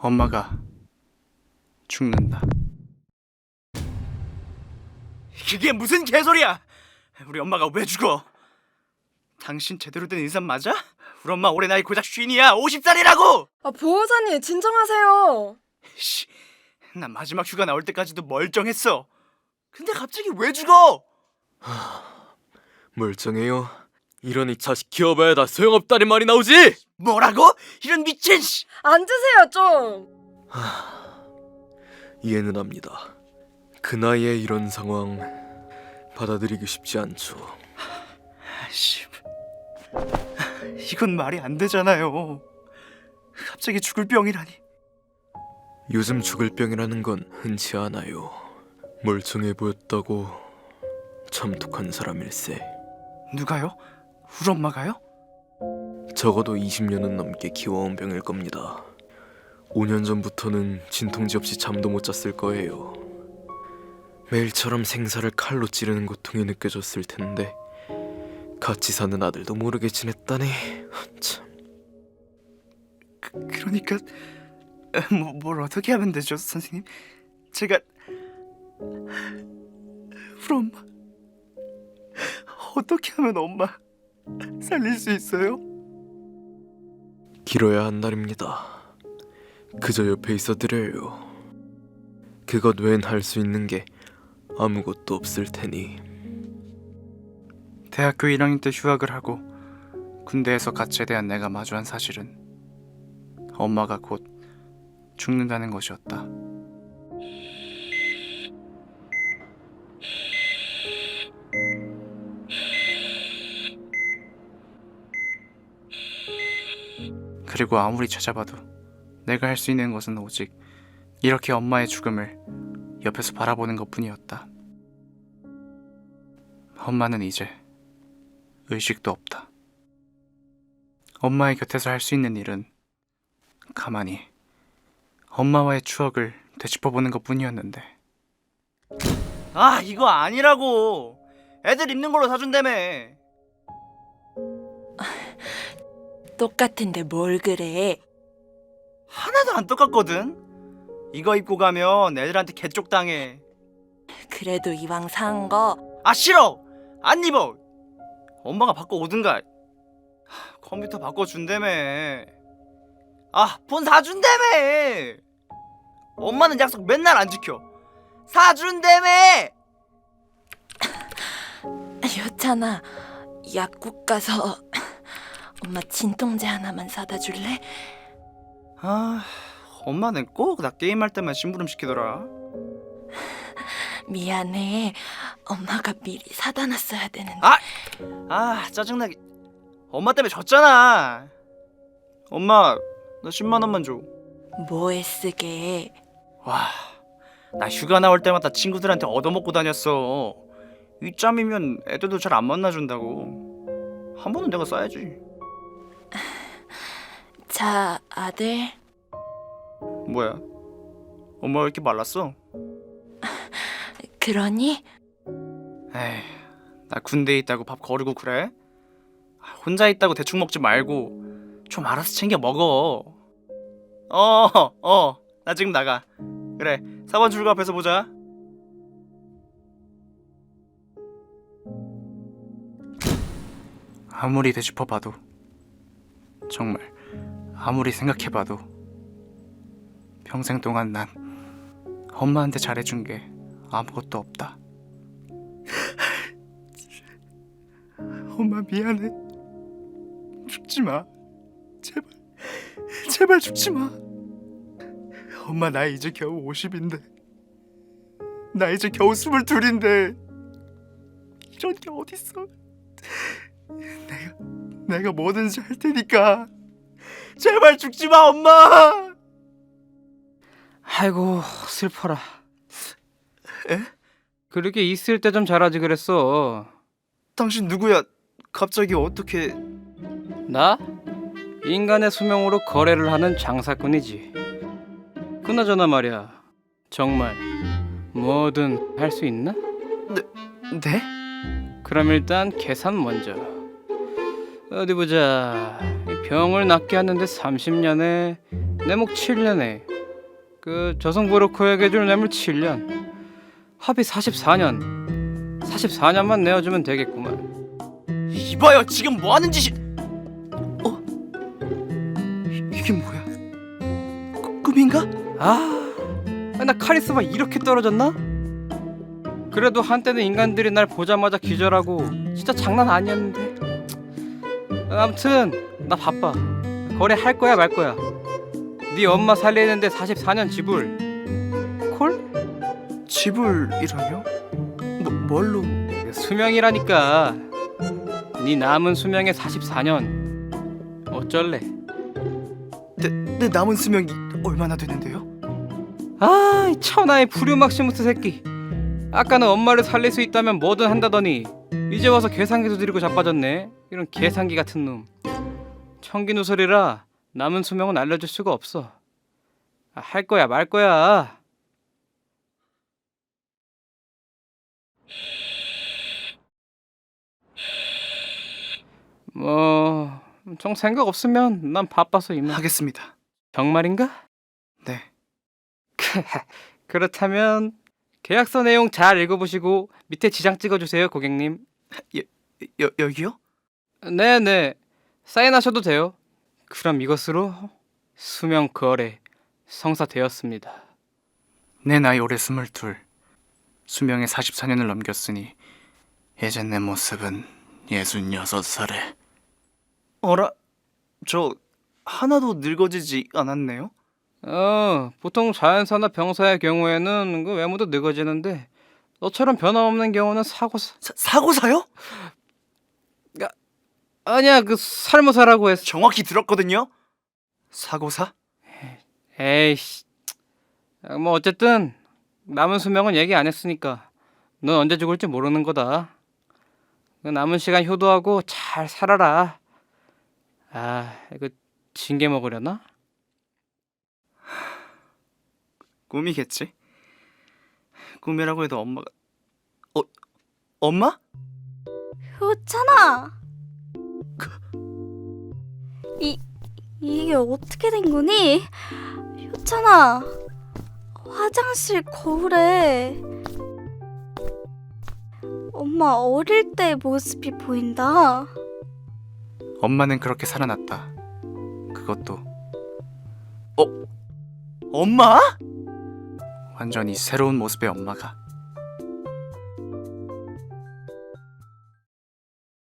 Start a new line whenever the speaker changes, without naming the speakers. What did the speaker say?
엄마가 죽는다. 이게 무슨 개소리야? 우리 엄마가 왜 죽어? 당신 제대로 된 인간 맞아? 우리 엄마 올해 나이 고작 50이야. 50살이라고!
보호자님 진정하세요.
씨, 난 마지막 휴가 나올 때까지도 멀쩡했어. 근데 갑자기 왜 죽어?
멀쩡해요. 이러니 자식 키워봐야 다 소용없다는 말이 나오지.
뭐라고? 이런 미친 씨!
앉으세요 좀.
이해는 합니다. 그 나이에 이런 상황 받아들이기 쉽지 않죠.
씨, 이건 말이 안 되잖아요. 갑자기 죽을 병이라니.
요즘 죽을 병이라는 건 흔치 않아요. 멀쩡해 보였다고 참독한 사람일세.
누가요? 우리 엄마가요?
적어도 20년은 넘게 키워온 병일 겁니다. 5년 전부터는 진통제 없이 잠도 못 잤을 거예요. 매일처럼 생사를 칼로 찌르는 고통이 느껴졌을 텐데 같이 사는 아들도 모르게 지냈다니. 참.
그러니까 뭘 어떻게 하면 되죠, 선생님? 제가 우리 엄마 어떻게 하면 엄마 살릴 수 있어요?
길어야 한 날입니다. 그저 옆에 있어 드려요. 그것 외엔 할 수 있는 게 아무것도 없을 테니.
대학교 1학년 때 휴학을 하고 군대에서 갓 제대한 내가 마주한 사실은 엄마가 곧 죽는다는 것이었다. 그리고 아무리 찾아봐도 내가 할 수 있는 것은 오직 이렇게 엄마의 죽음을 옆에서 바라보는 것뿐이었다. 엄마는 이제 의식도 없다. 엄마의 곁에서 할 수 있는 일은 가만히 엄마와의 추억을 되짚어보는 것뿐이었는데. 아, 이거 아니라고. 애들 입는 걸로 사준다며.
똑같은데 뭘 그래?
하나도 안 똑같거든. 이거 입고 가면 애들한테 개쪽당해.
그래도 이왕 산 거
아, 싫어. 안 입어. 엄마가 바꿔 오든가. 컴퓨터 바꿔준다며. 아, 폰 사준다며. 엄마는 약속 맨날 안 지켜. 사준다며.
여찬아, 약국 가서 엄마 진통제 하나만 사다 줄래?
아, 엄마는 꼭 나 게임할 때만 심부름 시키더라.
미안해. 엄마가 미리 사다 놨어야 되는데.
아, 짜증나게. 엄마 때문에 졌잖아. 엄마, 나 10만 원만 줘.
뭐에 쓰게?
와, 나 휴가 나올 때마다 친구들한테 얻어먹고 다녔어. 이 짬이면 애들도 잘 안 만나준다고. 한 번은 내가 써야지.
자, 아들.
뭐야? 엄마 왜 이렇게 말랐어?
그러니?
에이, 나 군대에 있다고 밥 거르고 그래? 혼자 있다고 대충 먹지 말고 좀 알아서 챙겨 먹어. 나 지금 나가. 그래, 4번 출구 앞에서 보자. 아무리 되짚어봐도, 정말 아무리 생각해봐도 평생 동안 난 엄마한테 잘해준 게 아무것도 없다. 엄마 미안해. 죽지마. 제발 죽지마. 엄마 나 이제 겨우 50인데, 나 이제 겨우 22인데 이런 게 어딨어. 내가 뭐든지 할 테니까 제발 죽지마, 엄마.
아이고 슬퍼라.
에?
그렇게 있을 때 좀 잘하지 그랬어.
당신 누구야? 갑자기 어떻게?
나? 인간의 수명으로 거래를 하는 장사꾼이지. 그나저나 말이야, 정말 뭐든 할 수 있나?
네?
그럼 일단 계산 먼저. 어디 보자. 이 병을 낫게 하는데 30년에 내 목 7년에 그 저승브로커에게 줄 뇌물 7년, 합의 44년. 44년만 내어주면 되겠구만.
이봐요, 지금 뭐 하는 짓이? 이게 뭐야? 꿈인가?
나 카리스마 이렇게 떨어졌나? 그래도 한때는 인간들이 날 보자마자 기절하고 진짜 장난 아니었는데. 아무튼 나 바빠. 거래할 거야 말 거야. 네 엄마 살리는데 44년 지불. 콜?
지불이라뇨? 뭘로?
수명이라니까. 네 남은 수명의 44년. 어쩔래?
내 남은 수명이 얼마나 되는데요?
이 천하의 프류막시무스 새끼. 아까는 엄마를 살릴 수 있다면 뭐든 한다더니 이제 와서 계산기도 들이고 자빠졌네. 이런 계산기 같은 놈. 청기누설이라 남은 수명은 알려줄 수가 없어. 할 거야 말 거야. 정 생각 없으면 난 바빠서 이만.
하겠습니다.
정말인가?
네.
그렇다면 계약서 내용 잘 읽어보시고 밑에 지장 찍어주세요, 고객님.
여기요?
네네, 사인하셔도 돼요. 그럼 이것으로 수명 거래 성사되었습니다.
내 나이 올해 22. 수명의 44년을 넘겼으니 이제 내 모습은 66살에. 어라? 저 하나도 늙어지지 않았네요?
보통 자연사나 병사의 경우에는 그 외모도 늙어지는데 너처럼 변함없는 경우는 사고사.
사고사요?
아니야, 그 살모사라고 했어.
정확히 들었거든요. 사고사?
에이씨. 뭐 어쨌든 남은 수명은 얘기 안 했으니까 넌 언제 죽을지 모르는 거다. 그 남은 시간 효도하고 잘 살아라. 이거 징계 먹으려나?
꿈이겠지. 꿈이라고 해도 엄마가 엄마?
효찬아. 이게 어떻게 된 거니? 효찬아. 화장실 거울에 엄마 어릴 때 모습이 보인다.
엄마는 그렇게 살아났다. 그것도 엄마? 완전히 새로운 모습의 엄마가.